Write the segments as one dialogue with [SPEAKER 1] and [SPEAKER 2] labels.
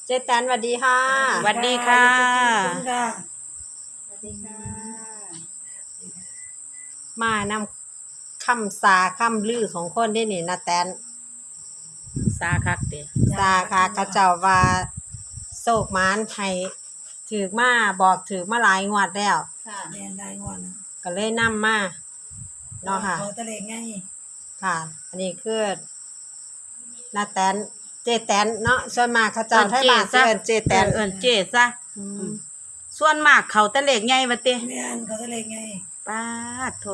[SPEAKER 1] เจ๊แตนสวัสดีค่ะ
[SPEAKER 2] สวัสดีค่ะ
[SPEAKER 3] สวัสดีค่ะ
[SPEAKER 2] สวัสดีค่ะ
[SPEAKER 1] มานำคำสาคำลือของคนที่นี่นะแตน
[SPEAKER 2] สาคักเด้
[SPEAKER 1] สาค่ะกระเจ้าว่าโศกมานให้ถือมาบอกถือมาหลายงวดแล้ว
[SPEAKER 2] ค่ะ
[SPEAKER 3] แม่นได้งอนนะ
[SPEAKER 1] ก็เลยนำมาเนาะค่ะ
[SPEAKER 3] ขอตะเลงไง
[SPEAKER 1] ค่ะ อันนี้คือนาแตนเจ๊แตนเนาะส่วนมากเขาเจ้าไทยบ้านสิเอิ้นเจ๊แตน
[SPEAKER 2] เอิ้นเจซะ
[SPEAKER 1] อืม
[SPEAKER 2] ส่วนมากเขาแต่เลขใหญ่ว่าติ
[SPEAKER 3] แม่นขอตะเลงไง
[SPEAKER 2] ปาดโถ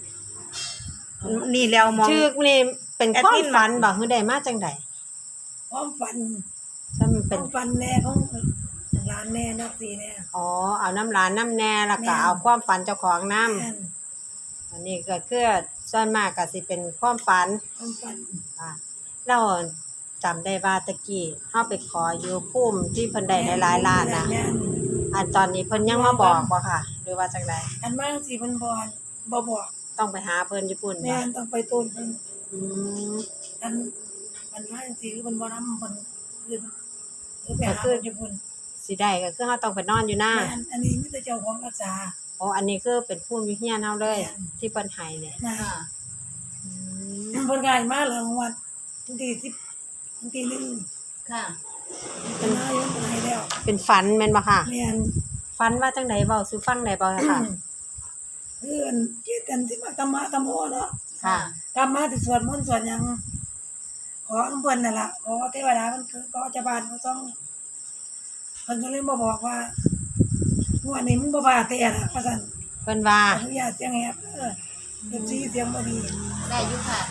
[SPEAKER 2] นี่แล้วมอง
[SPEAKER 1] ชื่อนี่เป็นความ
[SPEAKER 2] แอดมิน
[SPEAKER 1] ฝันบ่คือได้มาจังได๋
[SPEAKER 3] ความฝัน
[SPEAKER 1] ถ้ามัน
[SPEAKER 3] ค
[SPEAKER 1] เป็น
[SPEAKER 3] วามฝันแน่ของร้านแน่นักสีแน่
[SPEAKER 1] อ๋อเอาน้ำร้านน้ำแน่แล้วก็
[SPEAKER 3] แม่น
[SPEAKER 1] เอาความฝันเจ้าของน้
[SPEAKER 3] แม่น
[SPEAKER 1] ำอันนี้ก็คือส่วนมากก็สิเป็นความฝัน
[SPEAKER 3] ความฝัน
[SPEAKER 1] ค่ะเราจำได้ว่าตะกี้เฮาไปขออยู่ภูมิที่เพิ่นได้หลายๆล้านน่ะ
[SPEAKER 3] แม่น
[SPEAKER 1] อันตอนนี้เพิ่นยังมาบอกบ่ค่ะ หรือว่าจังได
[SPEAKER 3] อันมากสิมันบ่บอก
[SPEAKER 1] ต้องไปหาเพิ่นญี่ปุ่น
[SPEAKER 3] แม่
[SPEAKER 1] บ่
[SPEAKER 3] นต้องไปต้นเพิ่น
[SPEAKER 1] อืม
[SPEAKER 3] อันมันมากสิคือมันบ่นำเพิ่นคือไปหาเพิ่นญี่ปุ่น
[SPEAKER 1] สิได้ก็คือเฮาต้องไปนอนอยู่หน้า
[SPEAKER 3] แม่นอันนี้มีแต่เจ้าของรักษา
[SPEAKER 1] อ๋ออันนี้คือเป็นภูมิวิทยาเฮาเลย
[SPEAKER 3] แม่น
[SPEAKER 1] ที่เพิ่นให้เนี่ย
[SPEAKER 3] นะ
[SPEAKER 2] ค่ะ
[SPEAKER 1] อืม
[SPEAKER 3] เพิ่นง่ายมากเลยวันที่10วันที่1
[SPEAKER 2] ค่ะ
[SPEAKER 3] เป็นนายกเป็นไงแล้ว
[SPEAKER 1] เป็นฝันแม่นบ่ค่ะ
[SPEAKER 3] แม่น
[SPEAKER 1] ฝันว่าจังไดเว้าสู่ฟังได้บ่ค่ะ
[SPEAKER 3] เพื่อนเกียรติกันที่มาธรรมะธรรมโอเนาะ
[SPEAKER 1] ค่ะ
[SPEAKER 3] ธรรมะที่สวดมนต์สวดหยังขออำเพิ่นนั่นล่ะขอเทวดามันคือขอเจ้าบ้านเขาต้องเพิ่นก็เลยมาบอกว่างวดนี้มันบ่บาแต่ล่ะว่าซั่น
[SPEAKER 1] เพิ่นว่า
[SPEAKER 3] อนุญาตเสียงแหบเสียงบ่ดี
[SPEAKER 2] ได้อยู่ค่ะ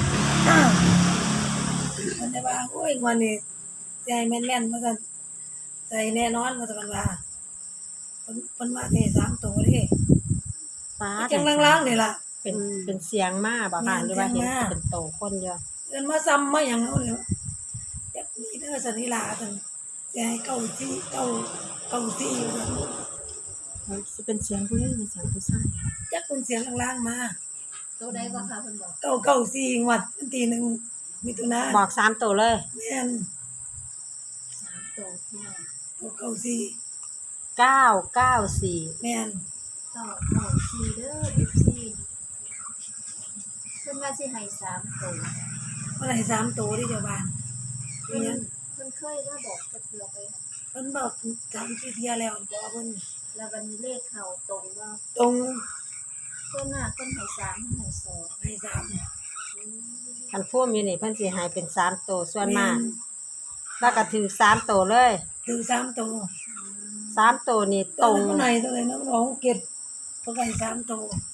[SPEAKER 3] มันได้ว่าโอ้ยงวดนี้ใจแม่นๆว่าซั่นใจแน่นอนว่าซั่นว่าเพิ่นว่าแต่3ตัวเด้
[SPEAKER 1] ฟ้า
[SPEAKER 3] จังล่างๆนี่ล่ะ
[SPEAKER 1] เป็นเสียงมาบ่ค่ะหรือว่าเห็น
[SPEAKER 3] เสียงมา
[SPEAKER 1] เป็นโตคนเยอะ
[SPEAKER 3] เอิ้นมาซ้ำมาหยังเอาเลยแบบนี้เด้อสันนิลาซั่นสิให้เก้าที่เก้าที่ว่าซั่น
[SPEAKER 1] มันสิเป็นเสียงผู้หญิงหรือเสียงผู้ชายค่ะ
[SPEAKER 3] จักเป็นเสียงล่างๆมา
[SPEAKER 2] ตัวใดก็ค่ะเพิ่นบอก
[SPEAKER 3] เก้าสี่งวดวันที่หนึ่งมิถุนา
[SPEAKER 1] บอก3โตเลย
[SPEAKER 3] แม่น
[SPEAKER 2] 3ตัวพี่น้อง
[SPEAKER 3] เก้าสี่
[SPEAKER 1] 994
[SPEAKER 3] แม่น
[SPEAKER 2] 4เด้อ FC เพิ่นว่าสิให้3ตัว
[SPEAKER 3] เมื่อไหร่3ตัวที่เจ้าบ้าน
[SPEAKER 2] เพิ่
[SPEAKER 3] เพิ่
[SPEAKER 2] น
[SPEAKER 3] น
[SPEAKER 2] เพิ่นเคยมาบอกจะเกือไปค่ะ
[SPEAKER 3] เพิ่นบอก3 4เที่ยแล้วบอกเพิ่น
[SPEAKER 2] แล้ววันนี้เลขเข้าตรงว่า
[SPEAKER 3] ตรง
[SPEAKER 2] ส่วนมากเพิ่นให้3เพิ่นให้2
[SPEAKER 3] ให้3
[SPEAKER 1] คันพุ่มอยู่นี่เพิ่นสิให้เป็น3โตส่วนมาก แล้วก็ถือ3โตเลย
[SPEAKER 3] ถึง3ตัว
[SPEAKER 1] 3โตนี่ต
[SPEAKER 3] ต
[SPEAKER 1] ร
[SPEAKER 3] รง งไหนตัวไหนน้องร้องเก็บเพิ่นให้3ตัว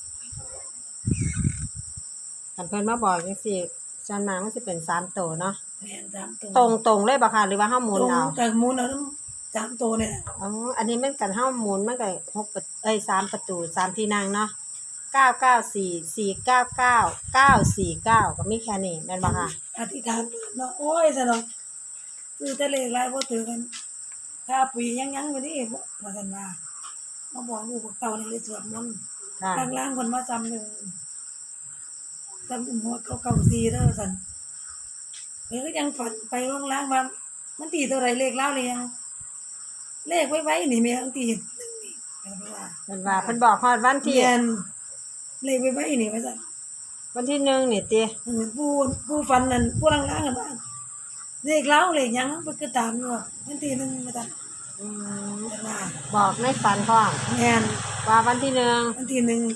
[SPEAKER 1] คันเพิ่นมาบอกจังซี่ส่วนมากมันสิเป็น3โตเนาะ
[SPEAKER 3] แม่น3ตัว
[SPEAKER 1] ตรงเลยบ่ค่ะหรือว่าเฮาหมุน
[SPEAKER 3] ตรง
[SPEAKER 1] เอา
[SPEAKER 3] แต่หมุนเอาน้ำ3ตัวเนี่ย
[SPEAKER 1] อ๋ออันนี้มันกันเฮาหมุนมันก็3ประตู3ที่นั่งเนาะ994 499 949ก็มีแค่นี้แม่นบ่ค่ะ
[SPEAKER 3] อธิษฐานเนาะโอ้ยซะเนาะซื้อแต่เลขหลายบ่ถือกันถ้าปียังอยู่นี่บ่ว่าซั่นว่ามาบอกลูกบอกเต้านี่เลยสวดมนต์
[SPEAKER 1] ค่ะ
[SPEAKER 3] ล่างๆเพิ่นมาซ้ำหนึงซ้ำหัวเก่าๆ4เด้อซั่นเพิ่นก็ยังฝันไปล่างๆว่ามันตีตัวใดเลขลาวเลยยังเลขไว้ๆนี่แม่อันตี1นี่เพิ่นว่า
[SPEAKER 1] เพิ่นว่าเพิ่นบอกฮอดวันที่
[SPEAKER 3] เรียนเลขไว้ๆนี่ว่าซั่น
[SPEAKER 1] วันที่1นี่ติ
[SPEAKER 3] ผู้ฟันนั่นผู้ล่างๆกันว่าเลขเล้าเลขหยังมันก็ตามอยู่มันทีหนึงมาตัด
[SPEAKER 1] อืม
[SPEAKER 3] แต่ว่า
[SPEAKER 1] บอกในฝันพร้อม
[SPEAKER 3] แม่น
[SPEAKER 1] ว่าวันที่1
[SPEAKER 3] มันทีหนึง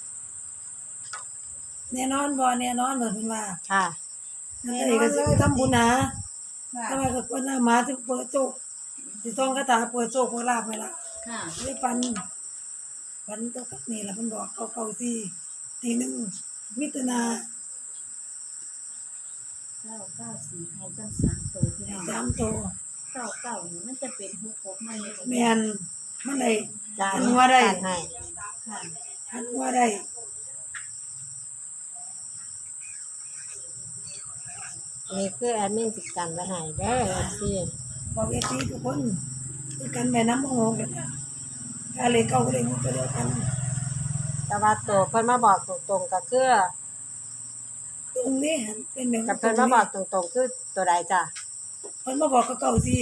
[SPEAKER 3] แน่นอนบ่แน่นอนเพิ่นว่า
[SPEAKER 1] ค่ะ
[SPEAKER 3] อันนี้ก็สิไปทำบุญนะทำไมก็คนหน้ามาสิเปิดโชคสิท่องคาถาเปิดโชคเปิดลาภไปละ
[SPEAKER 2] ค่ะ
[SPEAKER 3] เลยฟันตัวกับนี่ล่ะเพิ่นบอกเก่าๆสิทีหนึงมิถุนา
[SPEAKER 2] 994ให้ตั้ง3ตัวพี่น้อง
[SPEAKER 3] 3ตัว
[SPEAKER 2] 99นี่มันจะเป็น66มันนี่
[SPEAKER 3] แม่นมันได้
[SPEAKER 1] จาน
[SPEAKER 3] หัวได้
[SPEAKER 1] จานให้
[SPEAKER 2] ค่ะ
[SPEAKER 3] หันหัวได้
[SPEAKER 1] นี่คือแอดมินสิกันไว้ให้เด้อสิ
[SPEAKER 3] บอกเอซีทุกคนคือกันแม่น้ำมโหกันนะกาเลยเก่าเลยมันก็เดียวกัน
[SPEAKER 1] แต่ว่าตัวเพิ่นมาบอกตรงๆก็คือ
[SPEAKER 3] ตรงนี้หันเป็นหนึ่ง
[SPEAKER 1] กับเพิ่นมาบอกตรงๆคือตัวใดจ้ะ
[SPEAKER 3] เพิ่นมาบอกเก่าสิ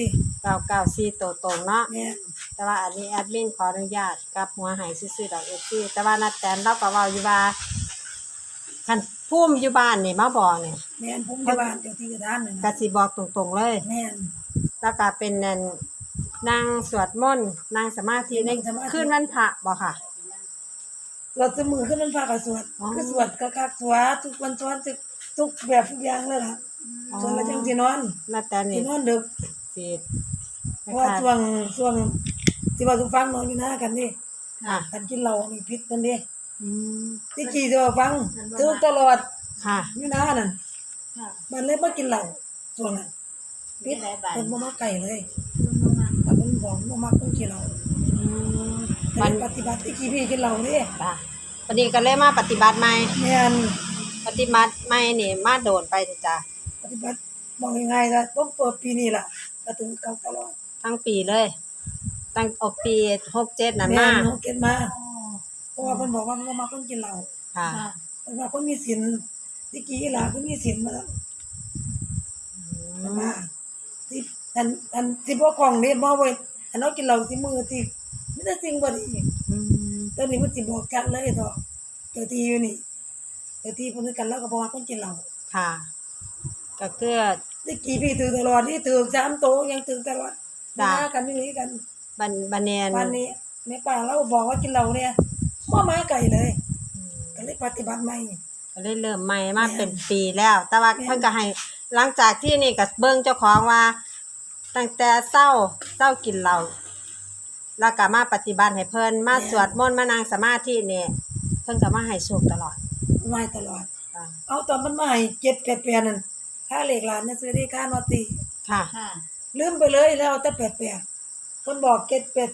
[SPEAKER 1] 994ตัวตรงเนาะ
[SPEAKER 3] แม่น
[SPEAKER 1] แต่ว่าอันนี้แอดมินขออนุญาตกลับหัวให้ซื่อๆดอก FC แต่ว่านัดแตนเราก็เว้าอยู่ว่าคันภูมิอยู่บ้านนี่มาบอกนี่
[SPEAKER 3] แม่นผมอยู่บ้านเจ้าที่เจ้าทางนั่น
[SPEAKER 1] ก็
[SPEAKER 3] น่ะ
[SPEAKER 1] สิบอกตรงๆเลย
[SPEAKER 3] แม่น
[SPEAKER 1] แล้วก็เป็นนั่นนั่งสวดมนต์นั่งสมาธิใน
[SPEAKER 3] นั่งสมาธิ
[SPEAKER 1] คืนวันพระบ่ค่ะ
[SPEAKER 3] สวดเสมอขึ้นมันพากับสวด
[SPEAKER 1] อ๋อ
[SPEAKER 3] คือสวดคักๆสวดทุกวันสวดทุกแบบทุกอย่างเลยล่ะส่วนละจังสินอน
[SPEAKER 1] นัดแตน
[SPEAKER 3] สิ
[SPEAKER 1] นี่
[SPEAKER 3] นอนดึก
[SPEAKER 1] สิ
[SPEAKER 3] เพราะว่าช่วงที่ว่าทุกฟังนอนอยู่หน้ากันนี่
[SPEAKER 1] ค่ะ
[SPEAKER 3] กันกินเหล้านี่พิษกันดิ
[SPEAKER 1] อืม
[SPEAKER 3] ที่กี่ที่ว่าฟังทุกตลอด
[SPEAKER 1] ค่ะ
[SPEAKER 3] อยู่หน้านั่น
[SPEAKER 2] ค่ะ
[SPEAKER 3] มันเลยมากินเหล้าช่วงนั้นพิษ
[SPEAKER 2] หลายบาท
[SPEAKER 3] เพิ่นบ่มาไก่เลย
[SPEAKER 2] มันบ่มา
[SPEAKER 3] แต่เพิ่นบอกบ่มาคนกินเหล้า
[SPEAKER 1] อืม
[SPEAKER 3] มั
[SPEAKER 1] มัน น
[SPEAKER 3] ปฏิบัติที่กี่พี่กินเหล้านี่
[SPEAKER 1] จ้ะวันนี้ก็เลยมาปฏิบัติใหม่
[SPEAKER 3] แม่น
[SPEAKER 1] ปฏิบัติใหม่นี่มาโดนไปเถอะจ้ะ
[SPEAKER 3] ปฏิบัติบอกง่ายๆนะผมเปิดปีนี้ล่ะก็ถึงเก่าตลอด
[SPEAKER 1] ทั้งปีเลย ตั้งเอาปี67นั่น
[SPEAKER 3] แม่
[SPEAKER 1] มาน
[SPEAKER 3] เฮาเก็บมา
[SPEAKER 2] อ๋อ
[SPEAKER 3] เพราะว่าเพิ่นบอกว่าบ่มาคนกินเหล้า
[SPEAKER 1] ค่ะ
[SPEAKER 2] ค่ะ
[SPEAKER 3] เพิ่นว่าคนมีศีลที่กี่หลาคนมีศีลมาแล้ว
[SPEAKER 1] อืม
[SPEAKER 3] มาที่อันที่บ่ของนี่บ่ไว้อันเฮากินเหล้าที่มือที่มีแต่สิ่งบ่ดี
[SPEAKER 1] อืม
[SPEAKER 3] ตอนนี้มันสิบอกกันเลยเถาะเจ้าที่อยู่นี่เจ้าที่เพิ่นคือกันแล้วก็บ่ว่าคนกินเหล้า
[SPEAKER 1] ค่ะ ก็คือ
[SPEAKER 3] ที่กี่พี่ถือตลอดที่ถือ3โตยังถือตลอด
[SPEAKER 1] จ้ะ
[SPEAKER 3] มากันนี่กัน
[SPEAKER 1] บันเนน
[SPEAKER 3] วันนี้แม่ป้าเราบอกว่ากินเหล้าเนี่ยบ่มาไกลเลย ก็เลยปฏิบัติใหม่
[SPEAKER 1] ก็เลยเริ่มใหม่มาเป็นปีแล้ว แต่ว่าเพิ่นก็ให้หลังจากที่นี่ก็เบิ่งเจ้าของว่า ตั้งแต่เช้ากินเหล้าแล้วก็มาปฏิบัติให้เพิ่นมาสวดมนต์มานั่งสมาธินี่เพิ่นก็มาให้โชคตลอด
[SPEAKER 3] มาตลอด
[SPEAKER 1] ค่ะ
[SPEAKER 3] เอาตอนมันมาให้788นั่นค่าเลขหลานน่ะซื้อได้ค่านอตี
[SPEAKER 1] ค่ะ
[SPEAKER 2] ค่ะ
[SPEAKER 3] ลืมไปเลยแล้วเอาแต่88เพิ่นบอก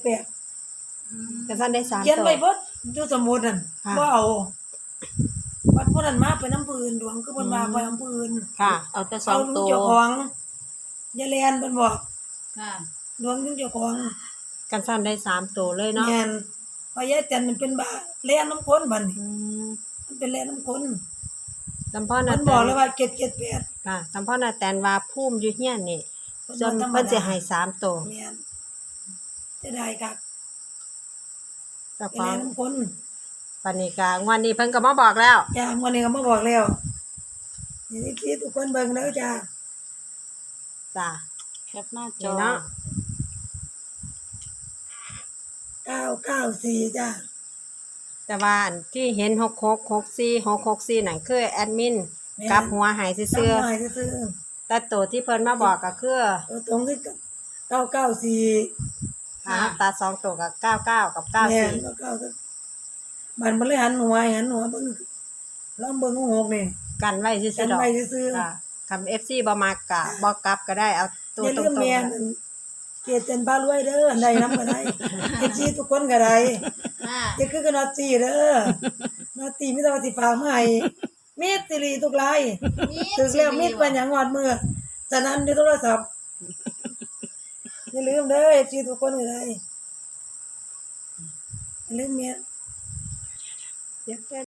[SPEAKER 3] 788
[SPEAKER 2] อืม
[SPEAKER 1] ก็ท่านได้3
[SPEAKER 3] เขียน
[SPEAKER 1] ตัว
[SPEAKER 3] ไว้เบิดอยู่สมุดนั่น
[SPEAKER 1] ค่ะ
[SPEAKER 3] บ่เอาวัดพวกนั้นมาไปน้ำปืนหลวงคือเพิ่นมาไปอำปืน
[SPEAKER 1] ค่ะ
[SPEAKER 2] เอาแต่สอ
[SPEAKER 3] เอา
[SPEAKER 2] ง
[SPEAKER 3] ลุง
[SPEAKER 2] ตัว
[SPEAKER 3] เจ้าของอย่าแลนเพิ่นบอก
[SPEAKER 2] ค่ะ
[SPEAKER 3] หลวงลุงเจ้าของ
[SPEAKER 1] กันท่านได้3ตัวเลยเนาะ
[SPEAKER 3] แม่นเพราะยายแตนมันเป็นบ้าแล่นน้ำคนบัดนี้
[SPEAKER 1] อืม
[SPEAKER 3] มันเป็นแล่นน้ำคน
[SPEAKER 1] สัมพ่อ
[SPEAKER 3] มั
[SPEAKER 1] น่ะ
[SPEAKER 3] นบอกเลยว่า778
[SPEAKER 1] ค่ะสัมพ่อน่ะแตนว่าภูมิอยู่เฮียนนี่
[SPEAKER 3] เพิ่น
[SPEAKER 1] ส่วน
[SPEAKER 3] บ่ธรรม
[SPEAKER 1] เพิ่นสิ
[SPEAKER 3] ดา
[SPEAKER 1] ให้3ตัว
[SPEAKER 3] แม่นจะได้คัก
[SPEAKER 1] เจ้า
[SPEAKER 3] ไป
[SPEAKER 1] ขอ
[SPEAKER 3] แล่
[SPEAKER 1] ง
[SPEAKER 3] นน้ำคน
[SPEAKER 1] ปานนี้ก็งวดนี้เพิ่นก็มาบอกแล้ว
[SPEAKER 3] จ้าวันนี้ก็มาบอกแล้วนี่ที่ทุกคนเบิ่งเด้อจ้า
[SPEAKER 1] จ้ะ
[SPEAKER 2] แคปหน้าจ
[SPEAKER 1] นี่
[SPEAKER 2] อ
[SPEAKER 1] เนาะ
[SPEAKER 3] 994จ้า
[SPEAKER 1] แต่ว่าอันที่เห็น6664664นั่นคือแอดมินกลับหัวใหาย
[SPEAKER 3] ซื้
[SPEAKER 1] ซื่อ
[SPEAKER 3] หน่อยซื้อ
[SPEAKER 1] ๆแต่ตัวที่เพิ่นมาบอกก็คือ
[SPEAKER 3] ตัวตรงที่994
[SPEAKER 1] หาตา2ตัวกับ99กับ
[SPEAKER 3] แม่น
[SPEAKER 1] 94
[SPEAKER 3] ก็มันเลยหันหัวเบิ่งลองเบิ่งหกนี่
[SPEAKER 1] กันไว้ซื่
[SPEAKER 3] กั
[SPEAKER 1] อนๆดอก
[SPEAKER 3] ไว้ซื่อ
[SPEAKER 1] ค่ะคำ FC บ่มักก็บ่กลับก็ได้เอา
[SPEAKER 3] ๆ
[SPEAKER 1] ตัว
[SPEAKER 3] อย่า
[SPEAKER 1] ตร
[SPEAKER 3] ลืม
[SPEAKER 1] ง
[SPEAKER 3] แม่นเกียรติเต็นพารวยเด้ออันใดนำก็ได้เอฟซีทุกคนก็ได้
[SPEAKER 2] ค่ะ
[SPEAKER 3] อย่าคือกันนอตีเด้อนอตีมีแต่ว่าสิฝากมาให้มีดสิริทุกรายถึงแล้วมีดเป็นหยังงอดมือฉะนั้นในโทรศัพท์อย่าลืมเด้อเอฟซีทุกคนก็ได้อย่าลืมแม่
[SPEAKER 1] ๆ